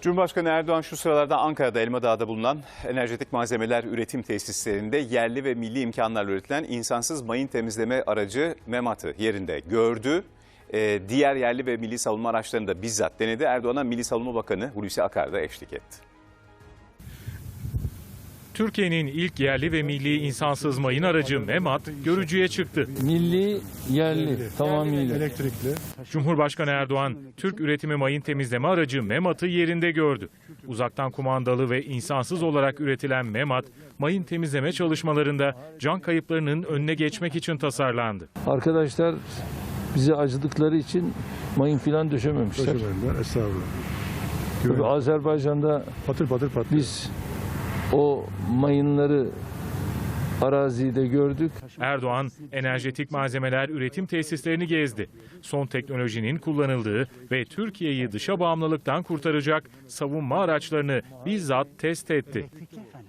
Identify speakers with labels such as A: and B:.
A: Cumhurbaşkanı Erdoğan şu sıralarda Ankara'da Elmadağ'da bulunan enerjetik malzemeler üretim tesislerinde yerli ve milli imkanlarla üretilen insansız mayın temizleme aracı MEMAT'ı yerinde gördü. Diğer yerli ve milli savunma araçlarını da bizzat denedi. Erdoğan'a Milli Savunma Bakanı Hulusi Akar da eşlik etti.
B: Türkiye'nin ilk yerli ve milli insansız mayın aracı MEMAT görücüye çıktı.
C: Milli, yerli, tamamıyla.
D: Elektrikli.
B: Cumhurbaşkanı Erdoğan, Türk üretimi mayın temizleme aracı MEMAT'ı yerinde gördü. Uzaktan kumandalı ve insansız olarak üretilen MEMAT, mayın temizleme çalışmalarında can kayıplarının önüne geçmek için tasarlandı.
C: Arkadaşlar bize acıdıkları için mayın filan döşememişler.
D: Taşımayınlar, estağfurullah.
C: Tabii Azerbaycan'da
D: Patır patır patlıyor.
C: biz o mayınları arazide gördük.
B: Erdoğan, enerjetik malzemeler üretim tesislerini gezdi. Son teknolojinin kullanıldığı ve Türkiye'yi dışa bağımlılıktan kurtaracak savunma araçlarını bizzat test etti.